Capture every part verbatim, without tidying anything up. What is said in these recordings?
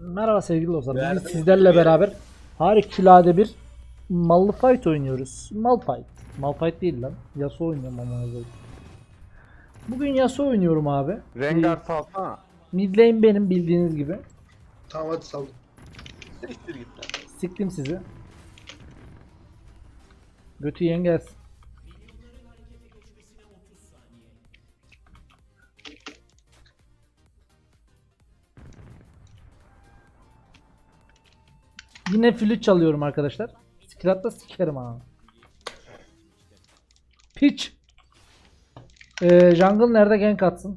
Merhaba sevgili dostlar. Bugün Verdim, sizlerle verin. beraber harikulade bir Malphite oynuyoruz. Malphite. Malphite değil lan. Yasuo oynuyorum ama. Bugün Yasuo oynuyorum abi. Rengar Ee, salsana. mid lane benim bildiğiniz gibi. Tamam hadi saldım. Siktir git lan. Siktim sizi. Götü yiyen gelsin. Yine flüt çalıyorum arkadaşlar. Skrat'ta sikerim ha. Piç. Ee, jungle nerede gank atsın?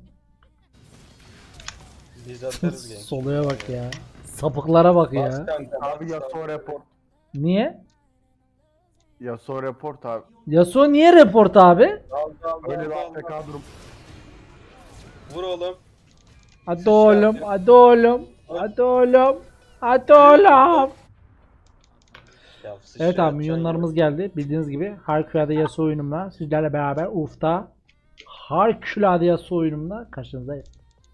Biz atarız genç. Soluya bak ya. Sapıklara bak Bas ya. kanka. Abi Yasuo report. Niye? Yasuo report abi. Yasuo niye report abi? Al al Öyle al bir al. A F K durum. Vur oğlum. Hadi oğlum, hadi oğlum, hadi oğlum, hadi oğlum. Ya, sıçra Evet abi atacaksın milyonlarımız geldi. Bildiğiniz gibi harikulade Yasuo oyunumla sizlerle beraber Uf'ta harikulade Yasuo oyunumla karşınızdayım.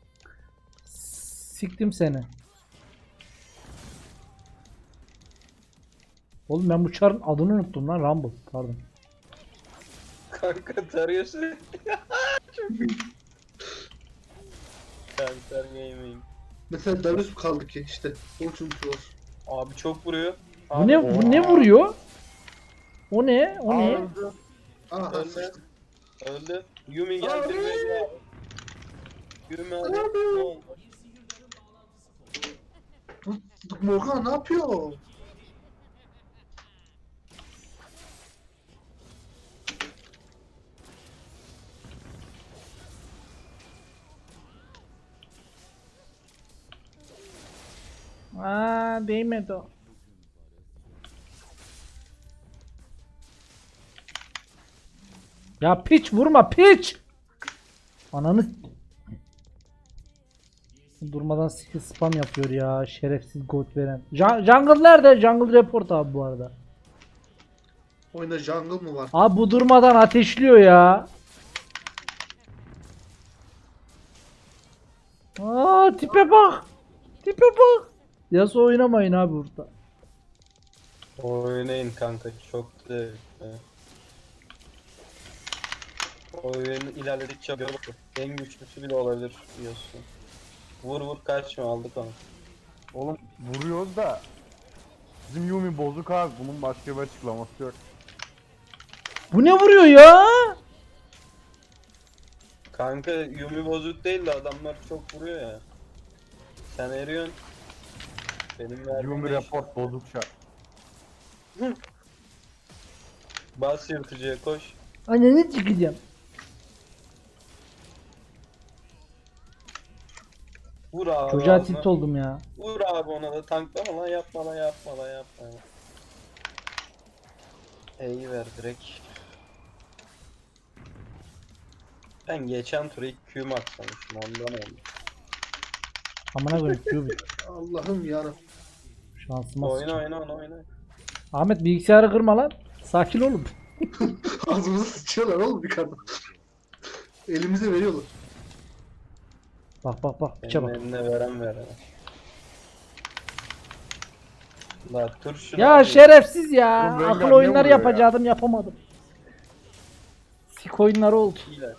Siktim seni. Oğlum ben bu çarın adını unuttum lan. Rumble pardon. ya. Kanka tarıyorsun. Çok iyi. Kanser gaming. Mesela Darius kaldı ki işte. Onun için var. Abi çok vuruyor. Bu Abi, ne bu ne vuruyor? O ne? O ne? Öldü. Aa Öldü. sıçtım. Öldü. Yumi geldi. Abi. Yumi Yumi hadi. Abi. Ne oldu? Morgan ne yapıyor? Aa değmedi o. Ya piç vurma piç. Ananı durmadan skill spam yapıyor ya şerefsiz gold veren. Ja- Jungle nerede? Jungle report abi bu arada. Oyunda jungle mı var? Abi bu durmadan ateşliyor ya. Aa tipe bak. Tipe bak. Yasuo oynamayın abi burada. Oynayın kanka çok zevkli. Oyun ilerledikçe böyle en güçlüsü bile olabilir diyorsun. Vur vur kaçma aldık onu. Oğlum vuruyoruz da. Bizim Yumi bozuk abi. Bunun başka bir açıklaması yok. Bu ne vuruyor ya? Kanka Yumi bozuk değil de adamlar çok vuruyor ya. Sen eriyorsun. Benim verdiğim Yumi de report bozuk şart. bas yırtıcıya koş. Ananı çıkacağım. Vur abi. Çocuğa ağzına. tilt oldum ya. Vur abi ona da tanklama lan yapma lan yapma lan yapma lan. E'yi ver direkt. Ben geçen tur ilk Q max sanmışım ondan oldu. Amına koyayım Q bit. Allah'ım yarabbim. Şansıma Oyna sıçayım. oyna oyna oyna. Ahmet bilgisayarı kırma lan. Sakin olun. Ağzımıza sıçıyorlar oğlum yukarıda. Elimize veriyorlar. Bak bak bak piçe Senin bak. eline veren veren. La tur şunu Ya abi. şerefsiz ya. Oğlum Rengar Akıl ne oyunları vuruyor ya? yapacaktım yapamadım. Sik oyunları oldu. İyiler.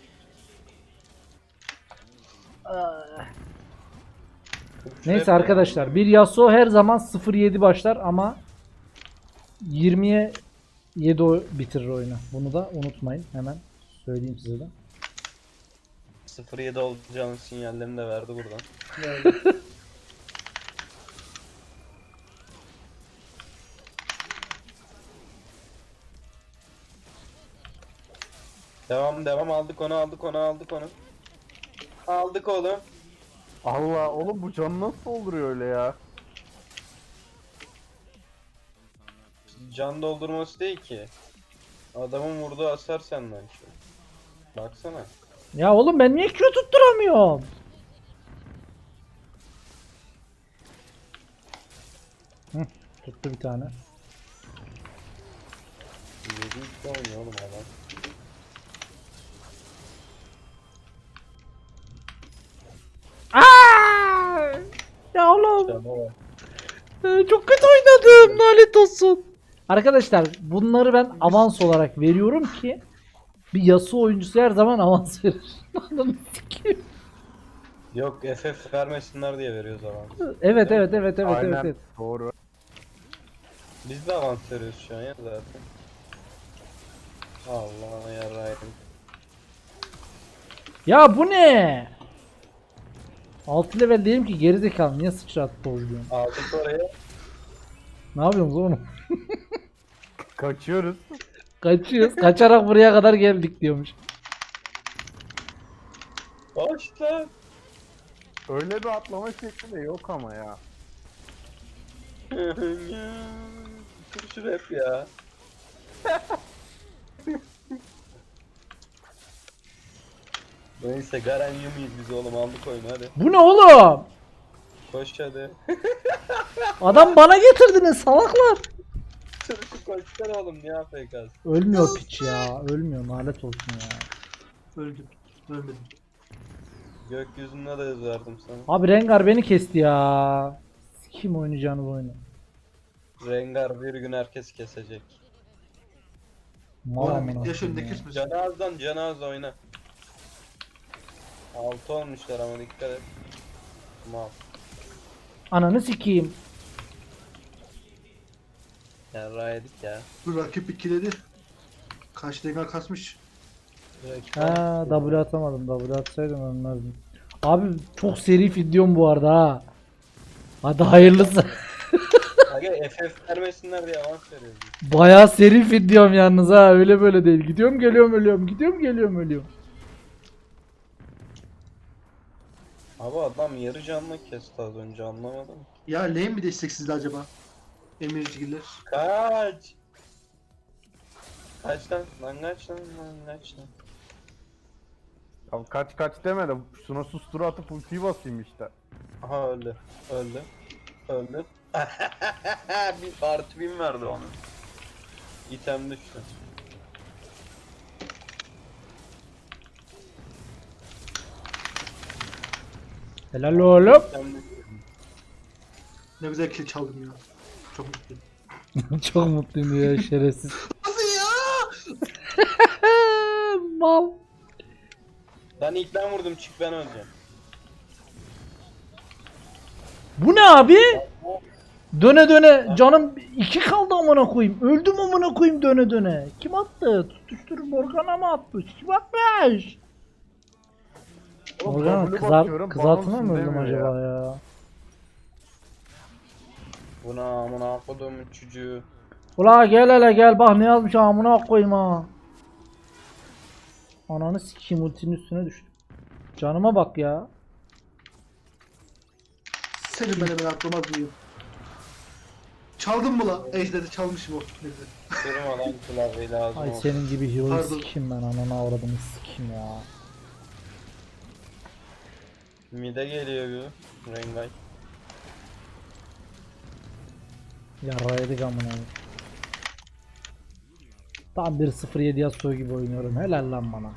Tur Neyse şuraya- arkadaşlar bir Yasuo her zaman sıfır yedi başlar ama yirmiye yedi o- bitirir oyunu. Bunu da unutmayın. Hemen söyleyeyim size de. sıfır yedi olacağının sinyallerini de verdi buradan. Yani. Devam devam aldık onu aldık onu aldık onu. Aldık oğlum. Allah oğlum bu canı nasıl dolduruyor öyle ya? Can doldurması değil ki. Adamın vurduğu hasar senden şu. Baksana. Ya oğlum ben niye Q tutturamıyorum? Hı, tuttu bir tane. yedi iki oynuyor oğlum adam. Aa! Ya oğlum. Tamam. Ee, Çok kötü oynadım. Lanet olsun. Arkadaşlar bunları ben avans olarak veriyorum ki bir Yasuo oyuncusu her zaman avans verir. Ananı sikeyim. Yok F F vermesinler diye veriyoruz avans. Evet evet evet evet Aynen evet. evet. doğru. Biz de avans veriyoruz şu an ya zaten. Allah yarayım. Ya bu ne? altı level değilim ki gerizekalı niye sıçrattı oynuyorum? Aldık oraya. Ne yapıyorsunuz oğlum? Kaçıyoruz. Kaçıyoruz. Kaçarak buraya kadar geldik diyormuş. Başla. Öyle bir atlama şekli de yok ama ya. Sürüşür hep ya. Neyse Garen Yumi'yiz biz oğlum aldık oyunu hadi. Bu ne oğlum? Koş hadi. Adam bana getirdiniz salaklar. Sürüşü koşsana oğlum niye A F K'sın? Ölmüyor piç ya. Ölmüyor lanet olsun ya. Öldüm. Ölmedim. Gökyüzünde de yazardım sana. Abi Rengar beni kesti ya. Kim oynayacağınız oyunu? Rengar bir gün herkes kesecek. Mal Oğlum amına yaş koyayım önünde ya. kesmesin. Canazdan canaz oyna. Altı olmuşlar ama dikkat et. Mal. Ananı sikeyim. Yarra yedik ya. Bu rakip ikiledi. Karşı dengar kasmış. Ha W atamadım. W atsaydım ölmezdim. Abi çok seri videom bu arada ha. Hadi hayırlısı. Aga F F vermesinler diye avans veriyoruz. Bayağı seri videom yalnız ha. Öyle böyle değil. Gidiyorum geliyorum ölüyorum. Gidiyorum geliyorum ölüyorum. Abi adam yarı canlı kesti az önce anlamadım. Ya lane mi desteksizdi acaba? Emircigiller. Kaç! Kaç lan? Lan kaç lan? Lan kaç lan? Ya kaç kaç deme de şuna sustura atıp ultiyi basayım işte. Aha öldü. Öldü. Öldü. bir artı bin verdi ona. İtem düştü. Helal oğlum. İtem düştü. Ne güzel kill çaldım ya. Çok mutluyum. Çok mutluyum ya şerefsiz. Nasıl ya? Mal. Lan ilk ben vurdum çık ben öleceğim. Bu ne abi? Döne döne canım iki kaldı amına koyayım. Öldüm amına koyayım döne döne. Kim attı? Tutuştur Morgana mı atmış? Kim atmış? Oğlum, Morgana W kızar, basıyorum, kızartma mı bana öldüm demiyor acaba ya? Buna amına kodumun çocuğu. Ula gel hele gel bak ne yazmış amına koyayım ha. Ananı sikeyim ultinin üstüne düştüm. Canıma bak ya. Senin ben hemen aklıma duyuyorum. Çaldın mı la? Ejder'i çalmışım o. Ne güzel. Kırma lan klavyeyi lazım Ay olsun. senin gibi hero'yu Pardon. sikeyim ben ananı avradını sikeyim ya. Mide geliyor bu. Rengay. Yarraydık amına. koyayım. Tam bir sıfır yedi Yasuo gibi oynuyorum. Helal lan bana.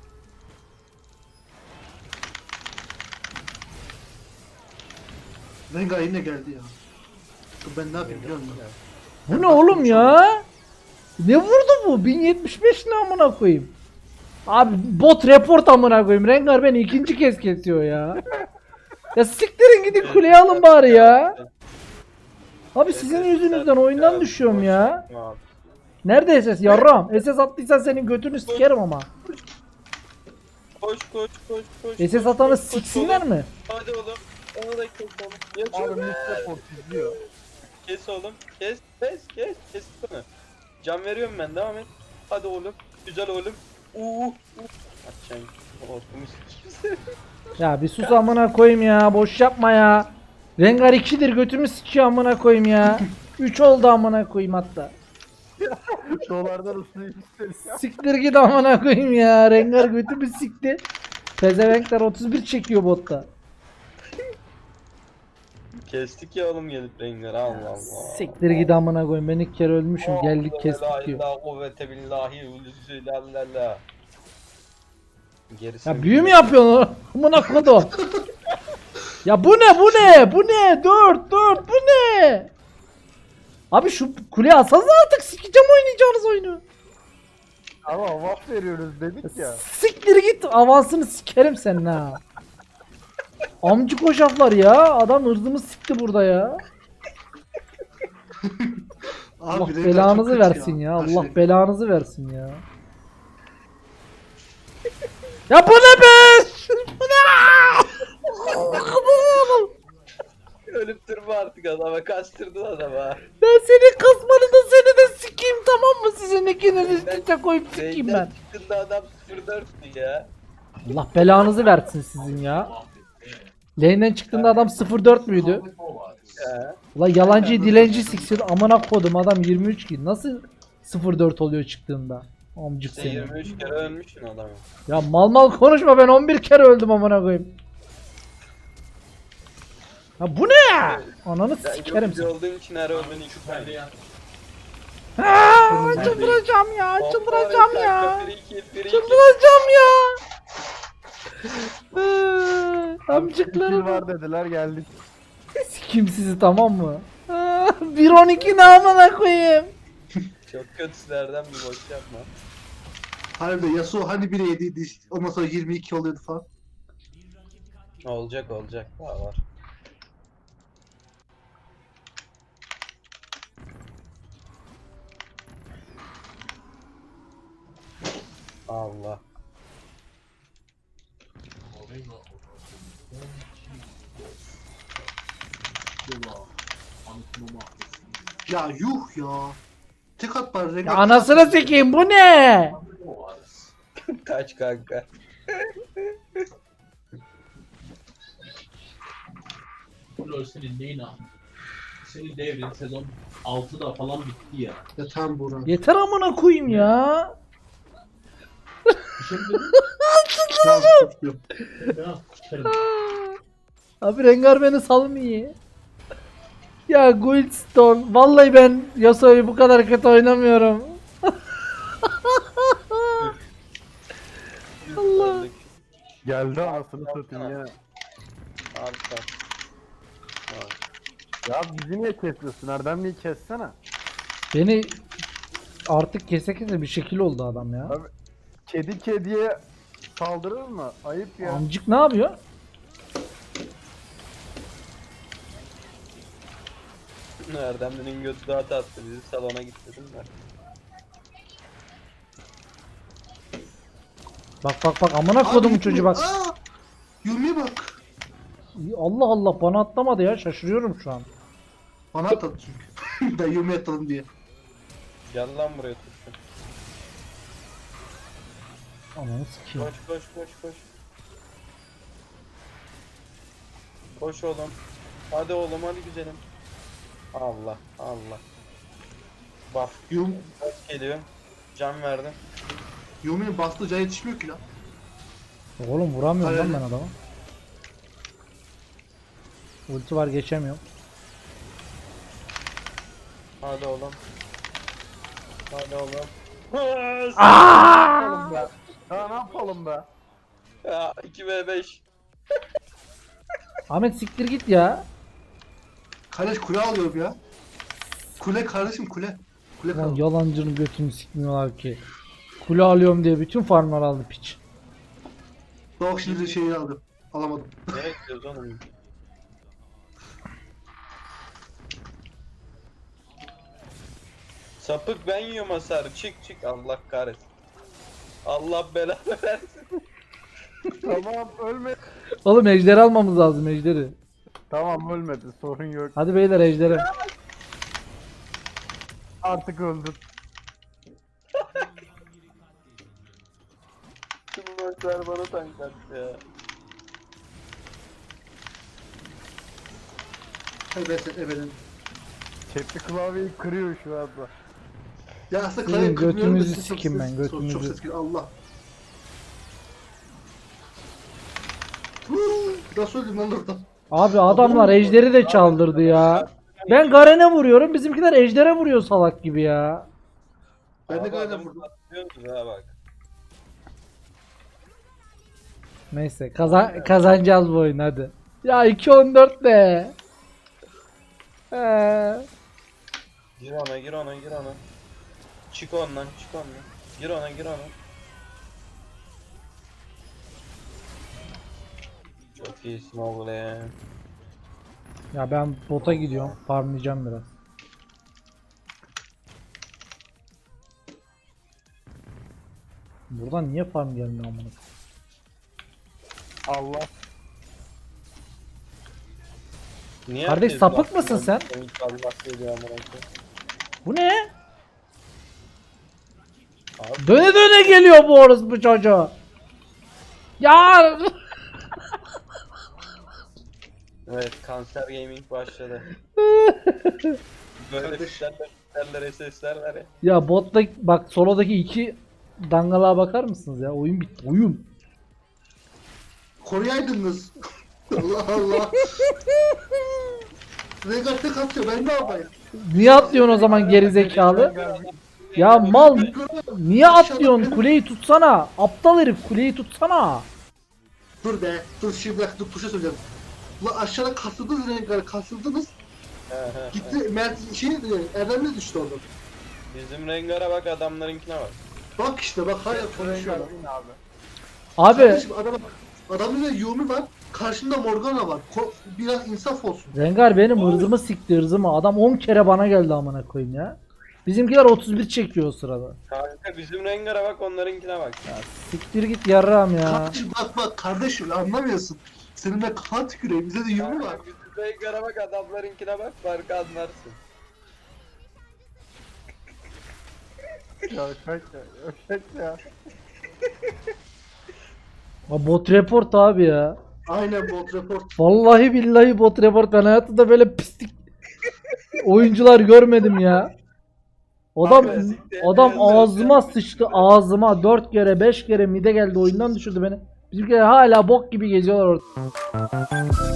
Rengar yine geldi ya. Dur ben ne yapayım biliyor musun? Bu ne oğlum ya? Ne vurdu bu? bin yetmiş beş ne amına koyayım? Abi bot report amına koyayım. Rengar beni ikinci kez kesiyor ya. Ya siktirin gidin kuleye alın bari ya. Abi sizin yüzünüzden oyundan düşüyorum ya. Abi. Nerede S S yarram? S S attıysan senin götünü sikerim ama. Koş koş koş koş. S S atanı siksinler mi? Hadi oğlum. Onu da kes oğlum. Abi Yaşa be. Mister Port izliyor. Kes oğlum. Kes kes kes. Kes bunu. Can veriyorum ben devam et. Hadi oğlum. Güzel oğlum. Uuu. Açacağım. Ortamı sikeyim. Ya bir sus amına koyayım ya. Boş yapma ya. Rengar ikidir götümü sikiyor amına koyayım ya. üç oldu amına koyayım hatta. Dolardan ısıyı istedim. Siktir git amına koyayım ya. Rengar götümü sikti. Pezevenkler otuz bir çekiyor botta. Kestik ya oğlum gelip Rengar. Allah Allah. Siktir git amına koyayım. Ben ilk kere ölmüşüm. Geldik kestik diyor. La kuvvete billahi ulüsü la la la. Gerisi Ya büyü mü yapıyorsun? Amına kodum. Ya bu ne bu ne bu ne? Dört dört bu ne? Abi şu kuleye alsanıza artık, sikeceğim oynayacağınız oyunu. Ama avans veriyoruz dedik ya. Siktir git, avansını sikerim senin ha. Amcık hoşaflar ya, adam ırzımı sikti burada ya. Abi Allah Rengar belanızı çok kötü versin ya. Her Allah şey. belanızı versin ya. Ya bu ne be? Bu ne? Ölüp durma artık adama. Kaçtırdın adama. Ben senin kasmanı da seni de sikeyim, tamam mı? Sizin ikiniz üst üste koyup sikeyim ben. Reyden çıktığında adam sıfır dörttü ya. Allah belanızı versin sizin ya. Lane'den çıktığında adam sıfır dört müydü? Ya. Ulan yalancı dilenci siksin, amına kodum, adam yirmi üç ki nasıl sıfır dört oluyor çıktığında? Amcık Sen seni. yirmi üç kere ölmüşsün adamı. Ya mal mal konuşma, ben on bir kere öldüm amına koyayım. Ya bu ne ya? Ananı Sen sikerim yok seni. olduğun için her öldüğün iki tane. Aa, çıldıracağım ya, çıldıracağım ya. Free kill, free kill. Çıldıracağım ya. Ee, Kill Amcıklarım. var dediler geldik. Sikim sizi, tamam mı? Aa, bir on iki ne amına koyayım. Çok kötülerden bir boş yapma. Harbiden Yasuo hani bire yediydi, ondan sonra yirmi iki oluyordu falan. Olacak olacak. Daha var. Allah. Ya yuh ya. Tek at bari Rengar. Ya anasını sikeyim, bu ne? Kaç kanka. Lol senin neyin abi? Senin devrin sezon altıda falan bitti ya. Ya tamam Buğra. Yeter amına koyayım ya. Bir şey mi dedin? Tamam, tutuyorum. Ya çıkarım. Abi Rengar beni salmıyor. Ya Guildstone, vallahi ben Yasuo'yu bu kadar kötü oynamıyorum. Allah. Geldi anasını satayım ya. Abi sen. Ya bizi niye kesiyorsun? Erdemli'yi kessene. Beni artık kese kese bir şekil oldu adam ya. Abi kedi kediye saldırır mı? Ayıp ya. Amcık ne yapıyor? Erdemli'nin götü daha tatlı. Bizi salona gitmedim de. Bak bak bak, amına kodumun Abi, çocuğu bak. Aa! Yumi'ye bak. Allah Allah, bana atlamadı ya, şaşırıyorum şu an. Bana atladı çünkü. Ben Yumi'ye atladım diye. Gel lan buraya tutsun. Ananı sikeyim. Koş koş koş koş. Koş oğlum. Hadi oğlum hadi güzelim. Allah Allah. Bak Yum, geliyor. Can verdim. Yumi'nin bastığı can yetişmiyor ki lan. Oğlum vuramıyorum lan Hayır. ben adama. Ulti var, geçemiyorum. Hadi oğlum. Hadi oğlum. Yapalım be. Ya ne yapalım be? Ya iki ve beş. Ahmet siktir git ya. Kardeş kule alıyorum ya. Kule kardeşim kule. Kule Lan kal. yalancının götünü sikmiyorlar ki. Kule alıyorum diye bütün farmlar aldı piç. Bak şimdi de şeyi aldım. Alamadım. Ne bekliyoruz oğlum? Sapık ben yiyorum hasarı. Çık çık Allah kahretsin. Allah belanı versin. Tamam ölme. Oğlum ejderi almamız lazım, ejderi. Tamam ölmedi sorun yok. Hadi beyler, ejderi. Artık öldün. Tüm maçlar bana tank attı ya. Hadi ben sen ebeden. Çekli klavyeyi kırıyor şu anda. Ya aslında Sizin kaleyi kırmıyorum da götünüzü çok sikeyim ses- ben, çok- götünüzü. Çok ses geliyor Allah. Huu, Nasıl öldüm lan oradan? Abi adamlar ejderi de çaldırdı ya. Ben Garen'e vuruyorum, bizimkiler ejdere vuruyor salak gibi ya. Ben de Abi gayet adamı vurdum. patlıyorsunuz ha bak. Neyse kazan kazanacağız bu oyunu hadi. Ya iki on dört de. Ee, Gir ona gir ona gir ona. Çık ondan çık ondan. Gir ona gir ona. Çok iyisin oğlum. ya ben bota gidiyorum. Farmlayacağım biraz. Buradan niye farm gelmiyor amına? Allah. Niye Kardeş, herkes sapık laf- mısın sen? Allah söylüyor amına koyayım. Bu ne? Abi, Döne döne geliyor bu orospu çocuğu. Ya evet kanser gaming başladı. Böyle Kardeş. fişlerler fişlerler S S'ler var ya. ya botta bak solodaki iki dangalığa bakar mısınız ya? Oyun bitti. Oyun. Koruyaydınız. Allah Allah. Rengar tek atıyor ben ne yapayım? Niye atlıyorsun o zaman geri zekalı? Ya mal niye atlıyorsun? Kuleyi tutsana. Aptal herif, kuleyi tutsana. Dur be. Dur şimdi bak dur bir şey söyleyeceğim. Ulan aşağıda kasıldınız Rengar kasıldınız. He, he, he. Gitti Mert şey Erdem'le düştü orada. Bizim Rengar'a bak adamlarınkine bak. Bak işte bak hala Rengar konuşuyorlar. win abi. Abi Kardeşim adam adamın da Yumi var. Karşında Morgana var. Ko- biraz insaf olsun. Rengar benim hırzımı sikti hırzımı. Adam on kere bana geldi amına koyayım ya. Bizimkiler otuz bir çekiyor o sırada. Kanka bizim Rengar'a bak onlarınkine bak. Siktir git yarrağım ya. Kardeşim bak bak kardeşim anlamıyorsun. Senin de kan tükürüyor. Bize de Yumi var. Kanka, bizim Rengar'a bak adamlarınkine bak farkı anlarsın. Ya kaç ya. Ya kaç ya. Ha, bot report abi ya. Aynen bot report. Vallahi billahi bot report. Ben hayatımda böyle pislik oyuncular görmedim ya. Adam Abi, siktir, adam yazık ağzıma ya. sıçtı, ağzıma dört kere beş kere mide geldi, oyundan düşürdü beni. Bizimkiler hala bok gibi geziyorlar orada.